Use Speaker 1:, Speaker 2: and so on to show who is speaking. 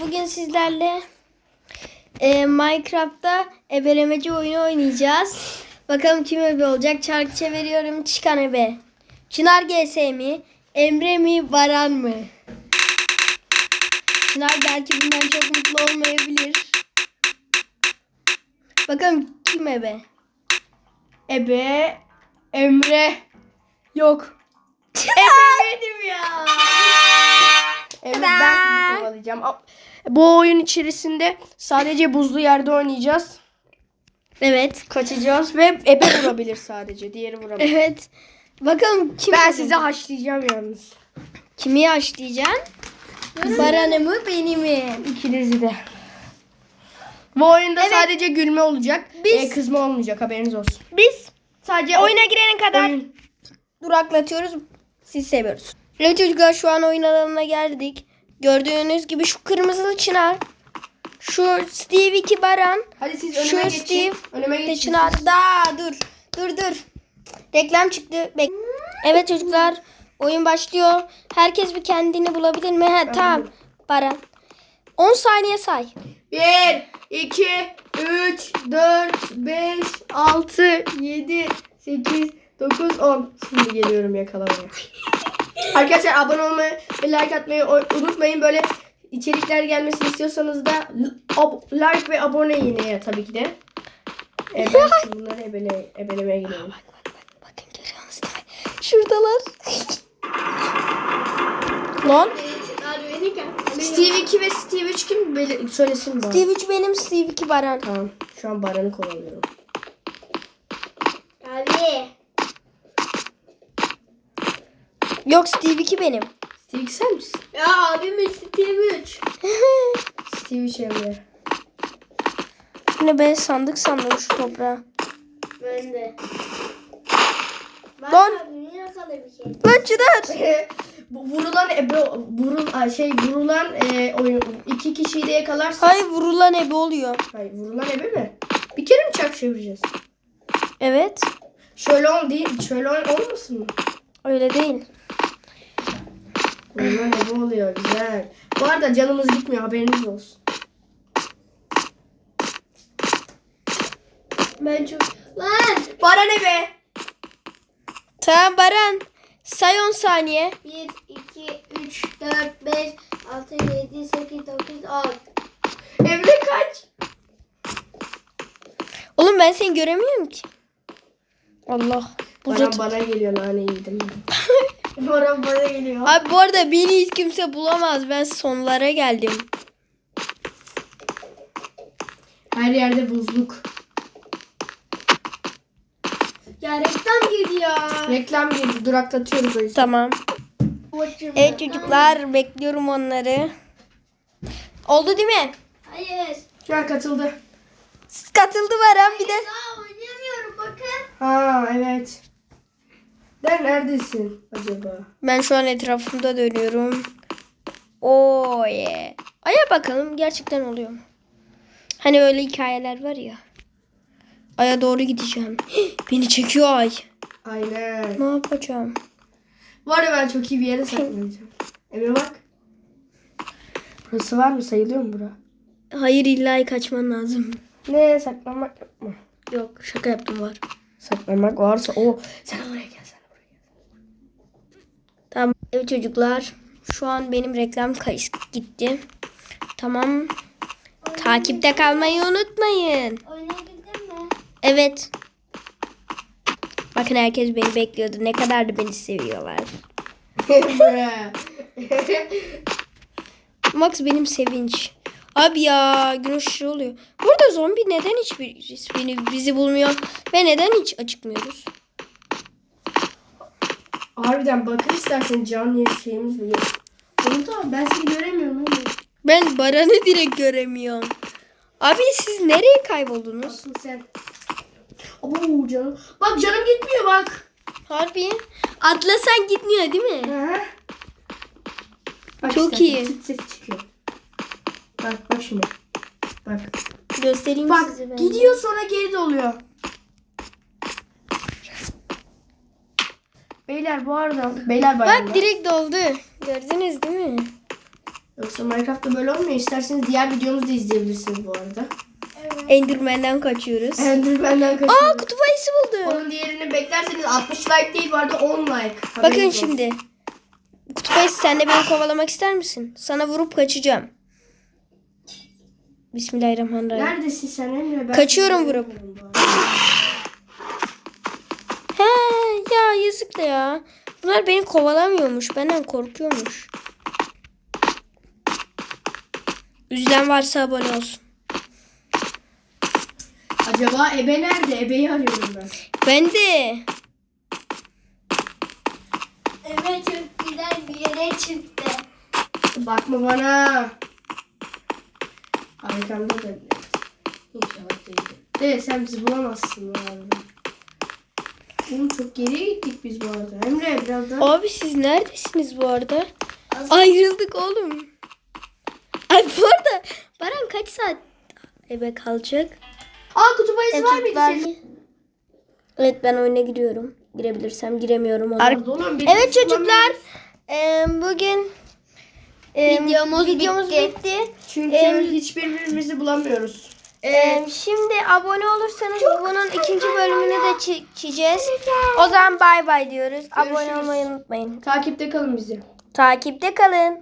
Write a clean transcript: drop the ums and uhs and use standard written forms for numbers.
Speaker 1: Bugün sizlerle Minecraft'ta ebelemeci oyunu oynayacağız. Bakalım kim ebe olacak? Çarkı çeviriyorum. Çıkan ebe. Çınar GS mi? Emre mi? Baran mı? Çınar belki bundan çok mutlu olmayabilir. Bakalım kim ebe?
Speaker 2: Ebe, Emre, yok.
Speaker 1: Ebe benim ya.
Speaker 2: Evet, ben sizi kovalayacağım. Bu oyun içerisinde sadece buzlu yerde oynayacağız.
Speaker 1: Evet.
Speaker 2: Kaçacağız ve ebe vurabilir sadece. Diğeri vuramaz.
Speaker 1: Evet. Bakalım kim
Speaker 2: Ben
Speaker 1: kazanacak?
Speaker 2: sizi haşlayacağım yalnız.
Speaker 1: Kimi haşlayacaksın? Baran'ı mı beni mi?
Speaker 2: İkinizi de. Bu oyunda
Speaker 1: Evet.
Speaker 2: sadece gülme olacak.
Speaker 1: Biz-
Speaker 2: Kızma olmayacak, haberiniz olsun.
Speaker 1: Biz
Speaker 2: Sadece
Speaker 1: oyuna girene kadar
Speaker 2: oyun.
Speaker 1: duraklatıyoruz. Siz seviyoruz. Evet çocuklar, şu an oyun alanına geldik. Gördüğünüz gibi şu kırmızı Çınar. Şu Steve 2 Baran.
Speaker 2: Hadi siz
Speaker 1: Şu
Speaker 2: önüme geçin.
Speaker 1: Steve
Speaker 2: Önüme
Speaker 1: de
Speaker 2: geçin.
Speaker 1: Çınar. Dur. Reklam çıktı. Evet çocuklar, oyun başlıyor. Herkes bir kendini bulabilir mi? Tamam. Baran. 10 saniye say.
Speaker 2: 1, 2, 3, 4, 5, 6, 7, 8, 9, 10. Şimdi geliyorum yakalamaya. Arkadaşlar abone olmayı ve like atmayı unutmayın. Böyle içerikler gelmesini istiyorsanız da like ve abone yine tabii ki de. Ben şimdi bunları ebelemeye gidiyorum.
Speaker 1: Bakın, görüyor musunuz? Şuradalar. Lan.
Speaker 2: Steve 2 ve Steve 3 kim? Söylesin bana.
Speaker 1: Steve 3 benim, Steve 2 Baran.
Speaker 2: Tamam. Şu an Baran'ı kovalıyorum.
Speaker 3: Abi.
Speaker 1: Yok, Steve 2 benim.
Speaker 2: Steve 2 sen misin?
Speaker 3: Ya abim Steve 3.
Speaker 2: Steve 3 Emre.
Speaker 1: Yine ben sandık sandım şu toprağa.
Speaker 3: Ben de. Bak
Speaker 1: Lan.
Speaker 3: abi niye yakaladı bir şey?
Speaker 1: Lan Çınar.
Speaker 2: Bu vurulan oyun iki kişiyi de yakalarsa.
Speaker 1: Hayır, vurulan ebe oluyor.
Speaker 2: Hayır, vurulan ebe mi? Bir kere mi çark çevireceğiz?
Speaker 1: Evet.
Speaker 2: Şöyle olmasın mı?
Speaker 1: Öyle değil.
Speaker 2: Vurulan ebe oluyor, güzel. Bu arada canımız gitmiyor, haberiniz olsun.
Speaker 3: Ben çok... Lan!
Speaker 2: Baran ebe.
Speaker 1: Tamam Baran. Say 10 saniye.
Speaker 3: 1, 2, 3, 4, 5, 6, 7, 8, 9, 10.
Speaker 2: Emre kaç?
Speaker 1: Oğlum ben seni göremiyorum ki. Allah.
Speaker 2: Baran bana geliyor, nane yedim. Baran bana geliyor.
Speaker 1: Abi bu arada beni hiç kimse bulamaz. Ben sonlara geldim.
Speaker 2: Her yerde buzluk.
Speaker 3: Ya reklam girdi ya.
Speaker 2: Reklam girdi, duraklatıyoruz o yüzden.
Speaker 1: Tamam. Evet çocuklar, bekliyorum onları. Oldu değil mi?
Speaker 3: Hayır.
Speaker 2: Şu an katıldı.
Speaker 1: Katıldı Baran bir de.
Speaker 3: Daha oynayamıyorum bakın.
Speaker 2: Ha evet. Neredesin acaba?
Speaker 1: Ben şu an etrafımda dönüyorum. Oo yeah. Aya bakalım gerçekten oluyor mu? Hani öyle hikayeler var ya. Aya doğru gideceğim. Beni çekiyor ay.
Speaker 2: Aynen.
Speaker 1: Ne yapacağım?
Speaker 2: Bu arada ben çok iyi bir yere saklanacağım. Emre bak. Burası var mı? Sayılıyor mu bura?
Speaker 1: Hayır, illa kaçman lazım.
Speaker 2: Ne? Saklanmak yok mu?
Speaker 1: Yok, şaka yaptım, var.
Speaker 2: Saklanmak varsa o. Sen oraya gel, sen oraya gel.
Speaker 1: Tamam. Evet çocuklar. Şu an benim reklam kayıt gitti. Tamam. Takipte kalmayı unutmayın.
Speaker 3: Oynayabildin mi?
Speaker 1: Evet. Bakın, herkes beni bekliyordu. Ne kadar da beni seviyorlar. Max benim sevinç. Abi ya, gün ışığı oluyor. Burada zombi neden bizi bulmuyor ve neden hiç acıkmıyoruz?
Speaker 2: Harbiden bakın istersen can şeyimiz mi? Oğlum tamam, ben seni göremiyorum oğlum.
Speaker 1: Ben Baran'ı direkt göremiyorum. Abi siz nereye kayboldunuz?
Speaker 2: Nasıl sen? Oo canım. Bak canım gitmiyor bak.
Speaker 1: Harbi. Atlasan gitmiyor değil mi?
Speaker 2: Hı. Bak
Speaker 1: Çok
Speaker 2: işte,
Speaker 1: iyi.
Speaker 2: Çıt ses çıkıyor. Bak şimdi. Bak.
Speaker 1: Göstereyim
Speaker 2: Bak
Speaker 1: size ben.
Speaker 2: gidiyor sonra geri doluyor. Beyler bu arada. Beyler bayramda.
Speaker 1: Bak direkt doldu. Gördünüz değil mi?
Speaker 2: Yoksa Minecraft'ta böyle olmuyor. İsterseniz diğer videomuzu da izleyebilirsiniz bu arada.
Speaker 3: Evet.
Speaker 1: Enderman'den kaçıyoruz.
Speaker 2: Enderman'den
Speaker 1: Aa,
Speaker 2: kaçıyoruz.
Speaker 1: kutup ayısı buldum.
Speaker 2: Onun diğerini beklerseniz 60 like değil bu arada 10 like.
Speaker 1: Bakın
Speaker 2: Haberiniz olsun.
Speaker 1: şimdi. Kutup ayısı, sen de beni kovalamak ister misin? Sana vurup kaçacağım. Bismillahirrahmanirrahim.
Speaker 2: Neredesin sen Emre? Ben
Speaker 1: Kaçıyorum
Speaker 2: seni
Speaker 1: vurup.
Speaker 2: göremiyorum bu arada.
Speaker 1: He ya, yazık da ya. Bunlar beni kovalamıyormuş. Benden korkuyormuş. Üzülen varsa abone olsun.
Speaker 2: Acaba Ebe nerede? Ebe'yi arıyorum ben.
Speaker 1: Ben de.
Speaker 3: Evet, çok güzel bir yere çıktı.
Speaker 2: Bakma bana. Arkamda da İnşallah değildir. De sen bizi bulamazsın bu arada. Oğlum çok geriye gittik biz bu arada. Emre biraz daha.
Speaker 1: Abi siz neredesiniz bu arada? Ayrıldık oğlum. Ay bu arada Baran kaç saat eve kalacak?
Speaker 2: Aa kutup ayısı var mıydı senin?
Speaker 1: Evet, ben oyuna giriyorum. Girebilirsem, giremiyorum.
Speaker 2: Oğlum, bir
Speaker 1: Evet
Speaker 2: kısmı
Speaker 1: çocuklar. Bugün
Speaker 3: Videomuz
Speaker 1: bitti.
Speaker 2: Çünkü hiçbirimizi bulamıyoruz.
Speaker 1: Şimdi abone olursanız bunun ikinci bölümünü de çekeceğiz. O zaman bay bay diyoruz. Abone
Speaker 2: Görüşürüz.
Speaker 1: olmayı unutmayın.
Speaker 2: Takipte kalın bizi.
Speaker 1: Takipte kalın.